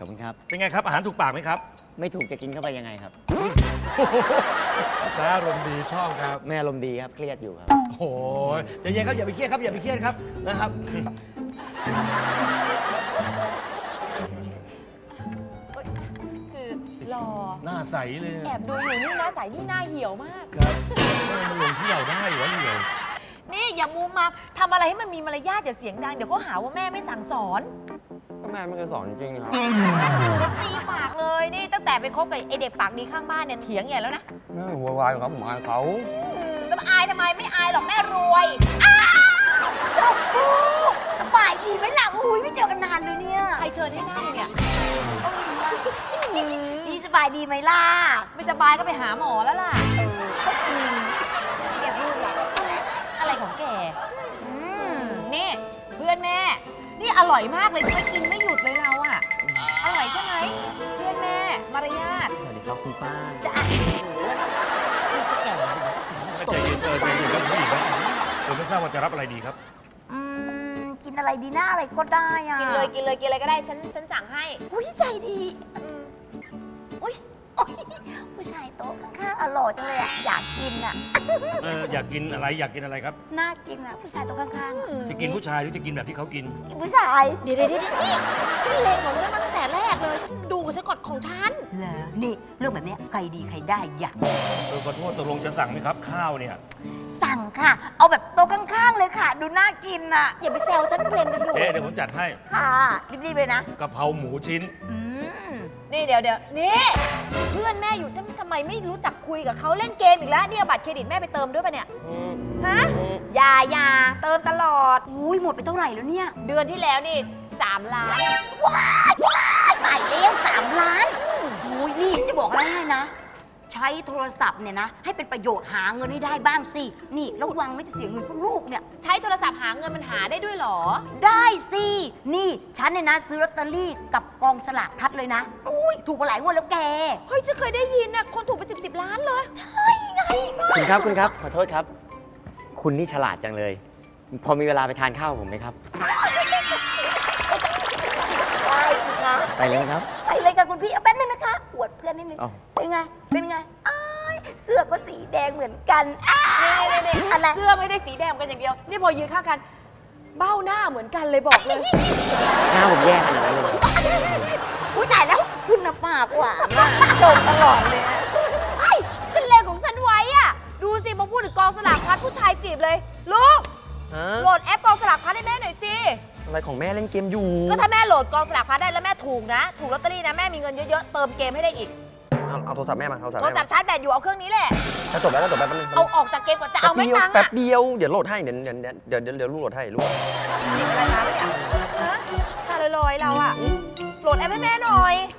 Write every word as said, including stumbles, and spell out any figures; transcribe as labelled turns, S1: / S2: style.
S1: อบคุณครับ
S2: เป็นไงครับอาหารถูกปากไหมครับ
S1: ไม่ถูกจะกินเข้าไปยังไงครับ
S2: แม่อารมณ์ดีชอบครับ
S1: แม่อารมณ์ดีครับเครียดอยู่ครับ
S2: โอ้โหใจเย็นครับอย่าไปเครียดครับอย่าไปเครียดครับนะครับ
S3: คือรอ
S2: หน้าใสเลย
S3: แอบดูอยู่นี่หน้าใสนี่หน้าเหี่ยวมาก
S2: ครับมันลงที่เราได้หรือว่าเหนียว
S3: นี่อย่ามูมามทำอะไรให้มันมีมารยาทอย่าเสียงดังเดี๋ยวเขาหาว่าแม่ไม่สั่งสอน
S4: ก็แม่ไม่เคยสอนจริงๆครับ
S3: จะตีปากเลยนี่ตั้งแต่ไปคบกับไอเด็กปากดีข้างบ้านเนี่ยเถียงใหญ่แล้วนะ
S4: แม่หัววายครับผมอายเขา
S3: อืมจะมาอายทำไมไม่อายหรอกแม่รวยอ้าวชมพู่สบายดีไหมล่ะอุ้ยไม่เจอกันนานเลยเนี่ยใครเชิญให้นั่งเนี่ยนี่สบายดีไหมล่ะไม่สบายก็ไปหาหมอแล้วล่ะก็จริงแกพูดแหละอะไรของแกอืมนี่เพื่อนแม่ นี่อร่อยมากเลยใช่ไหมกินไม่หยุดเลยเราอะอร่อยใช่ไหมเพื่อนแม่มารยาท
S1: สวัสดีครับคุณป้า
S3: จะอ่ะดูสแกน
S2: ๆใจเย็นเออใจเย็นครับผู้หญิงครับผมไม่ทราบว่าจะรับอะไรดีครับ
S5: อืมกินอะไรดีหน้าอะไรก็ได้อะ
S3: กินเลยกินเลยกินอะไรก็ได้ฉันฉันสั่งให้
S5: อุ้ยใจดี
S3: อืม
S5: อุ้ยโอ๊ยผู้ชายโต๊ะข้างๆอร่อยจังเลยอะอยากกินอะ
S2: เอออยากกินอะไรอยากกินอะไรครับ
S5: น่ากินอะผู้ชายโต๊ะข้างๆอะ
S2: จะกินผู้ชายหรือจะกินแบบที่เขากิน
S5: กินผู้ชาย
S3: เดี๋ยวเดี๋ยวเดี๋ยวนี่ฉันเลงของฉันมาตั้งแต่แรกเลยฉันดูกับฉันกดของฉัน
S5: เหรอนี่เรื่องแบบเนี้ยใครดีใครได้อยาก
S2: เออขอโทษตกลงจะสั่งไหมครับ ข้าวเนี่ย
S5: สั่งค่ะ เอาแบบโต๊ะข้างๆเลยค่ะ ดูน่ากินอะ
S3: อย่าไปแซวฉันเพลนกันอยู่
S2: เอ๊ะเดี๋ยวผมจัดให้
S5: ค่ะรีบๆเลยนะ
S2: กะเพราหมูชิ้น
S5: อืม
S3: นี่เดี๋ยวเดี๋ยวนี่เพื่อนแม่อยู่ทำไมไม่รู้จักคุยกับเขาเล่นเกมอีกแล้วเนี่ยเอาบัตรเครดิตแม่ไปเติมด้วยปะเนี่ยฮะอย่าอย่าเติมตลอด
S5: อุ้ยหมดไปเท่าไหร่แล้วเนี่ย
S3: เดือนที่แล้วนี่สามล้าน
S5: ว้ายว้ายตายแล้วสามล้านโอ้ยนี่จะบอกอะไรให้นะ ใช้โทรศัพท์เนี่ยนะ ให้เป็นประโยชน์หาเงินให้ได้บ้างสิ นี่ระวังไม่จะเสียเงินพวกลูกเนี่ย
S3: ใช้โทรศัพท์หาเงินมันหาได้ด้วยเหรอ
S5: ได้สิ นี่ฉันเนี่ยนะซื้อลอตเตอรี่กับกองสลากพลัดเลยนะ อุ้ยถูกมาหลายงวดแล้วแก
S3: เฮ้ยฉันเคยได้ยินนะคนถูกไปสิบสิบล้านเลย
S5: ใช่ไง
S1: คุณครับคุณครับขอโทษครับ คุณนี่ฉลาดจังเลย พอมีเวลาไปทานข้าวกับผมไหมครับ
S5: ได้สิคะ
S1: ไปเลยนะครับ
S5: ไปเลยค่ะคุณพี่เอาแป๊บนึงนะคะอวดเพื่อนนิดนึง
S1: อ้าว
S5: เป็นไง เป็นไงอ้ายเสื้อก็สีแดงเหมือนกันอ้าย
S3: นี่ๆๆ
S5: อะไร
S3: เสื้อไม่ได้สีแดงกันอย่างเดียว นี่พอยืนข้างกัน เบ้าหน้าเหมือนกันเลยบอกเลย
S1: หน้าผมแย่ขนาดนั้นเลย
S5: อุ้ยตายแล้วคุณน่ะปากหวานอะชมตลอดเลยอะ
S3: ไอ้ฉันเลงของฉันไว้อะดูสิมาพูดถึงกองสลากพลัดผู้ชายจีบเลย ลูก
S4: ฮะ
S3: โหลดแอปกองสลากพลัดให้แม่หน่อยสิ
S4: อะไรของแม่เล่นเกมอยู่
S3: ก็ถ้าแม่โหลดกองสลากพลัดได้แล้วแม่ถูกนะ ถูกลอตเตอรี่นะแม่มีเงินเยอะๆ เติมเกมให้ได้อีก
S4: เอาเอาโทรศัพท์แม่มาโทรศัพท์
S3: โทร
S4: แม่
S3: ศัพ
S4: มา
S3: ท์ชาร์จแบตอยู่เอาเครื่องนี้แหละ
S4: จะจบแล้วจะจบแล้วแป๊บนึง
S3: เอาออกจากเกมก่อนจะเอาไม่ตังค์
S4: แป๊บ
S3: อะ
S4: เดียวเดี๋ยวโหลดให้เดี๋ยวเดี๋ยวเดี๋ยวเดี๋ยวเดี๋ยวลูกโหลดให้ลูก
S3: จิบอะไรมาปะเนี่ยฮะตาลอยๆเราอะโหลดแอปให้แม่หน่อย